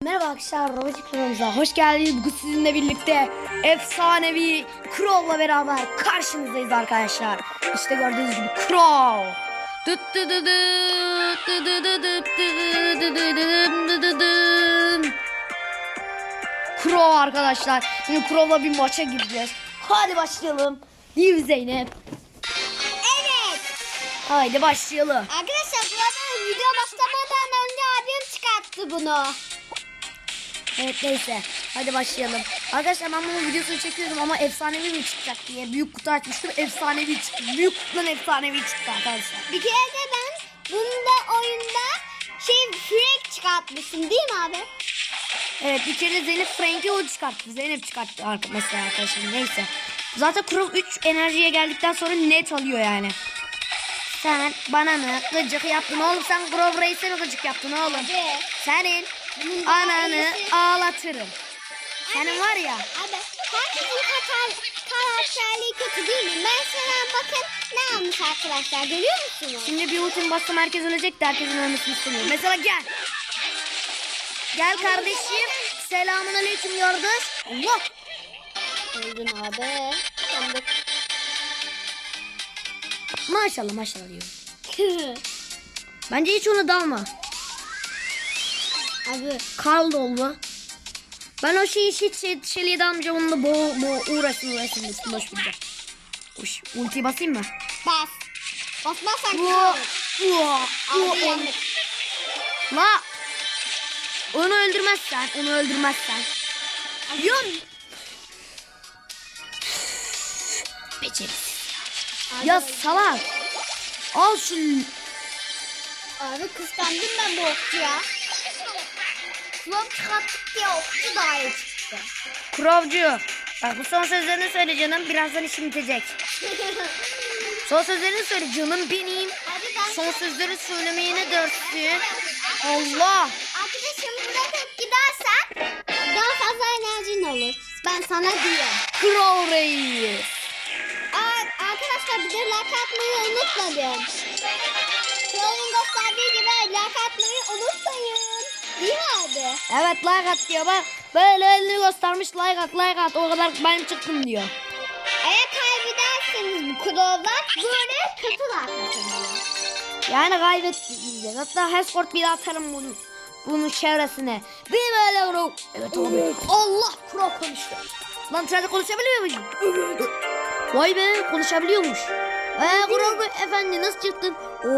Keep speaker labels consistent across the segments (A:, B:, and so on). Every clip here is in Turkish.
A: Merhaba arkadaşlar, Robotik kanalımıza hoş geldiniz. Bugün sizinle birlikte efsanevi Crow'la beraber karşınızdayız arkadaşlar. İşte gördüğünüz gibi Crow. Crow arkadaşlar. Şimdi Crow'la bir maça gireceğiz. Hadi başlayalım. Değil mi Zeynep?
B: Evet.
A: Haydi başlayalım.
B: Arkadaşlar bu arada video başlamadan önce abim çıkarttı bunu.
A: Evet neyse hadi başlayalım. Arkadaşlar ben bunun videosunu çekiyordum ama efsanevi mi çıkacak diye büyük kutu açmıştım, efsanevi çıktı. Büyük kutudan efsanevi çıktı arkadaşlar.
B: Bir kere de ben bunda oyunda Frank çıkartmıştım değil mi abi?
A: Evet bir kere de Zeynep Frank'i o çıkarttı. Zeynep çıkarttı mesela arkadaşlar, neyse. Zaten Crow 3 enerjiye geldikten sonra net alıyor yani. Sen bana mı gıcık yaptın oğlum, sen Crow Reis'e mi gıcık yaptın oğlum?
B: Abi.
A: Senin ananı ağlatırım. Senin var ya.
B: Abi herkesin karakterliği kötü değil mi? Mesela bakın ne almış arkadaşlar, görüyor musunuz?
A: Şimdi bir ultim bassam herkes ölecek de herkesin ölmesini istemiyorum. Mesela gel. Gel kardeşim. Selamun aleyküm kardeş. Allah.
B: Öldün abi. Sandık.
A: Maşallah maşallah diyorum. Bence hiç ona dalma.
B: Abi.
A: Karl da olma. Ben o şeyi hiç şeyliğe dalmayacağım. Onunla uğraşın. Boş bulacağım. Ultiyi basayım mı?
B: Bas. Basmazsan Abi yandık.
A: La. Onu öldürmezsen. Yan. Beceriksiz. Ya salak. Al şunu.
B: Abi kıskandım ben bu okçuya. Kulağım çıkarttık diye okçu daha iyi çıktı.
A: Krovcu. Bak bu son sözlerini söyle canım. Birazdan işim bitecek. Son sözlerini söyle canım benim.
B: Abi ben
A: Son sözleri söylemeye ne dersin? Allah.
B: arkadaşım bırakıp gidersen daha fazla enerjin olur. Ben sana diyorum.
A: Crow Reis.
B: Arkadaşlar bir de like atmayı unutmayın. Kralın gösterdiği gibi like atmayı unutmayın. Değil mi abi?
A: Evet like at diyor bak. Böyle elini göstermiş, like at. O kadar ben çıktım diyor.
B: Eğer kaybederseniz bu krallar böyle kötü like atın.
A: Yani kaybetmeyeceğiz. Hatta Hesford bir daha atarım bunun çevresine. Değil mi öyle Crow? Evet abi. Allah, Crow konuştu. Lan sen de konuşabiliyor musun? Evet. Vay be, konuşabiliyormuş. Crow efendi nasıl çıktın?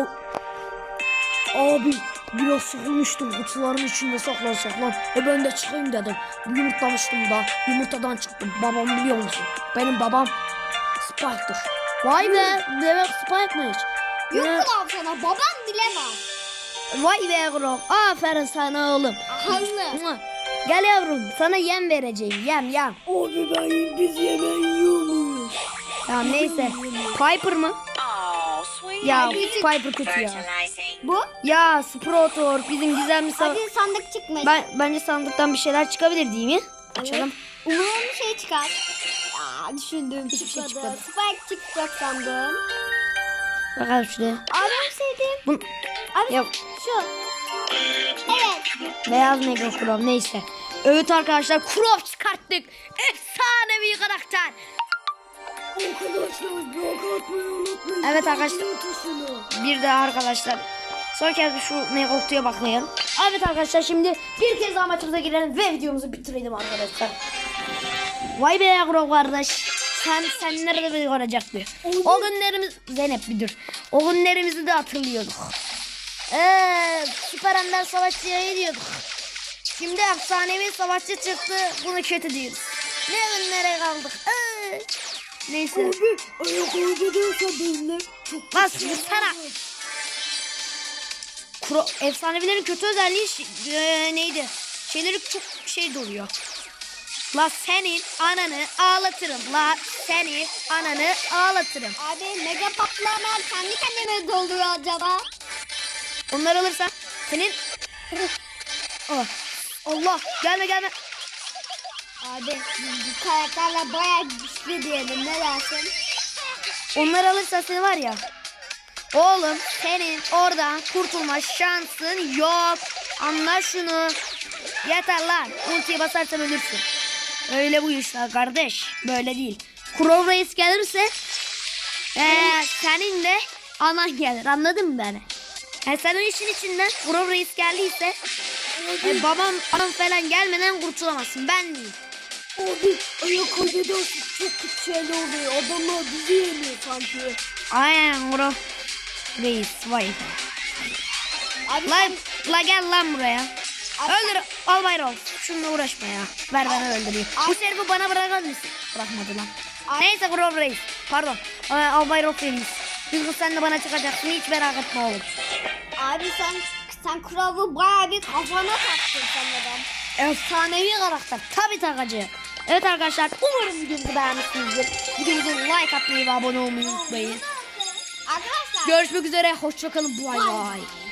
A: Abi biraz sıkılmıştım, kutuların içinde saklan. Ben de çıkayım dedim. Yumurtlamıştım da yumurtadan çıktım. Babam biliyor musun? Benim babam Spike'dır. Vay be, demek Spike'mış.
B: Yok kral sana, babam bile var.
A: Vay be Crow, aferin sana oğlum.
B: Haklı.
A: Gel yavrum, sana yem vereceğim, yem.
C: Abi biz yemeği yiyor muyuz?
A: Ya neyse, Piper mı? Ya Piper kötü ya.
B: Bu?
A: Ya Sprout bizim güzel bir
B: Hadi sandık çıkmış.
A: Bence sandıktan bir şeyler çıkabilir değil mi? Açalım.
B: Umarım bir şey çıkar. Ya düşündüm.
A: Hiçbir şey çıkmadı.
B: Spike çıkacak sandım.
A: Bakalım şuraya.
B: Abi en sevdiğim.
A: Bun
B: Abi
A: ya
B: şu. Evet.
A: beyaz Mega Crow neyse. Evet arkadaşlar, Crow çıkarttık. Efsanevi karakter.
C: Arkadaşlar blok atmayı unutmayın.
A: Evet arkadaşlar.
C: Tuşunu.
A: Bir de arkadaşlar son kez bir şu Mega kutuya bakayım. Evet arkadaşlar, şimdi bir kez daha maçımıza girelim ve videomuzu bitirelim arkadaşlar. Vay be Crow kardeş. Sen nerede bir olacaktı? O günlerimiz Zeynep bir dur. O günlerimizi de hatırlıyorduk. Süper Ender Savaşçı'ya ne diyorduk? Şimdi efsanevi savaşçı çıktı. Bunu kötü diyoruz. Ne günlere kaldık. Neyse.
C: Abi ayak oynadıysa benimle çok
A: Bas vursana. Efsanevilerin kötü özelliği neydi? Şeyleri çok şey doluyor. La senin ananı ağlatırım.
B: Abi mega patlama kendi kendime dolduruyor acaba.
A: Onları alırsan senin Allah gelme.
B: Abi bu karakterler bayağı güçlü diyelim, ne dersin?
A: Onları alırsan seni var ya. Oğlum senin oradan kurtulma şansın yok. Anla şunu. Ya Yeter lan. Ultiye basarsan ölürsün. Öyle bu işler kardeş. Böyle değil. Crow Reis gelirse senin de anan gelir. Anladın mı beni? Yani sen o işin içinden Crow Reis geldiyse babam anam falan gelmeden kurtulamazsın. Ben değil.
C: Abi ayak kaybedersin çok kötü şeyler oluyor. Adamlar bizi yemiyor sanki.
A: Aynen Crow Reis. Vay be.
B: Abi
A: La gel lan buraya. Öldür Albay Rolf. Şununla uğraşma ya. Ver bana öldüreyim. Bu serifi bana bırakır mısın? Bırakmadı lan. Neyse Crow Reis. Pardon. Albay Rolf Reis. Çünkü sen de bana çıkacaksın. Hiç merak etme oğlum.
B: Abi sen kuralı bayağı bir kafana taktın sanırım.
A: Efsanevi karakter. Tabi takacağım. Evet arkadaşlar. Umarım videomuzu beğenmişsinizdir. Videomuza like atmayı ve abone olmayı unutmayın.
B: Arkadaşlar
A: Görüşmek üzere. Hoşçakalın. Bay bay.